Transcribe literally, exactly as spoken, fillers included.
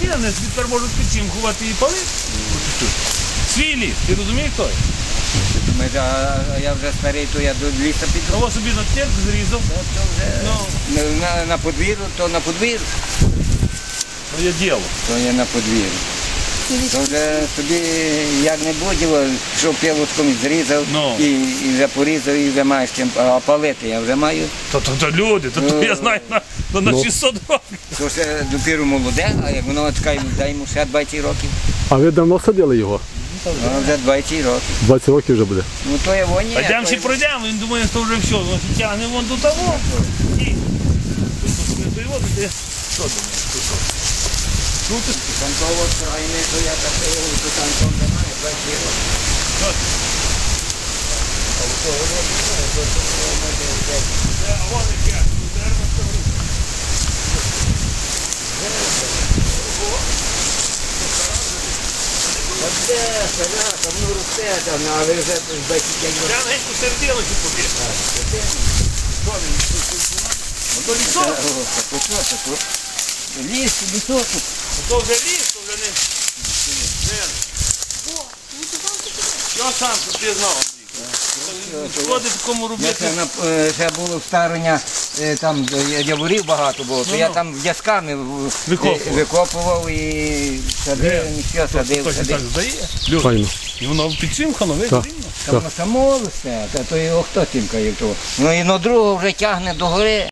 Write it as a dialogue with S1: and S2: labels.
S1: є, вони тепер можуть підчимхувати і палити. Свій ліс, ти розумієш той?
S2: Думаєш, а я вже старий, то я до ліса піду.
S1: Кого собі на тек зрізав?
S2: То вже
S1: Ну,
S2: на, на подвір'ю, то на подвір'ю,
S1: то є діло.
S2: то є на подвір'ю. То вже собі як не будь, що пілочком зрізав
S1: Ну.
S2: і, і вже порізав, і вже маєш чим, а палити я вже маю.
S1: То, то, то люди, то, то я знаю на, то на
S3: Ну.
S1: шістсот років.
S2: То ще допіру молоде, а як воно чекає, дай йому ще двадцять років.
S3: А ви давно садили його?
S2: Воно вже двадцять років.
S3: двадцять років вже буде.
S2: Ну то є воні.
S1: А йдемо ще пройдемо, він думає, що вже все, він тягне вон до того. Ні. Тут то його, ти що думаєш? Тут що? Тут ти
S2: Танково крайне, то я так то танком немає, двадцять років.
S1: що? Це, а вон яке, дерево стоїть.
S2: Оце, сара, там ну росте, там, а ви вже двадцять п'ять років.
S1: Я на геть посередину чи побіг. Що він? Ото лісок?
S2: Ліс, лісок.
S1: Ото вже ліс, то вже не... Не. Що сам, що ти знав, Андрій? Шкоди такому
S2: Я
S1: робити.
S2: ще, на- е, ще було старення, е, там е, яворів багато було, то
S1: Ну,
S2: я
S1: ну.
S2: там в'язками в-
S1: Викопував.
S2: е, викопував і садив, і все, садив,
S1: Хтось і так
S2: садив.
S1: здає. Люди.
S3: Файно.
S1: І воно підсимкано, видно,
S3: Так.
S1: рівно.
S2: Там само все, та то його хто тімкає того. Ну і на другого вже тягне до гори.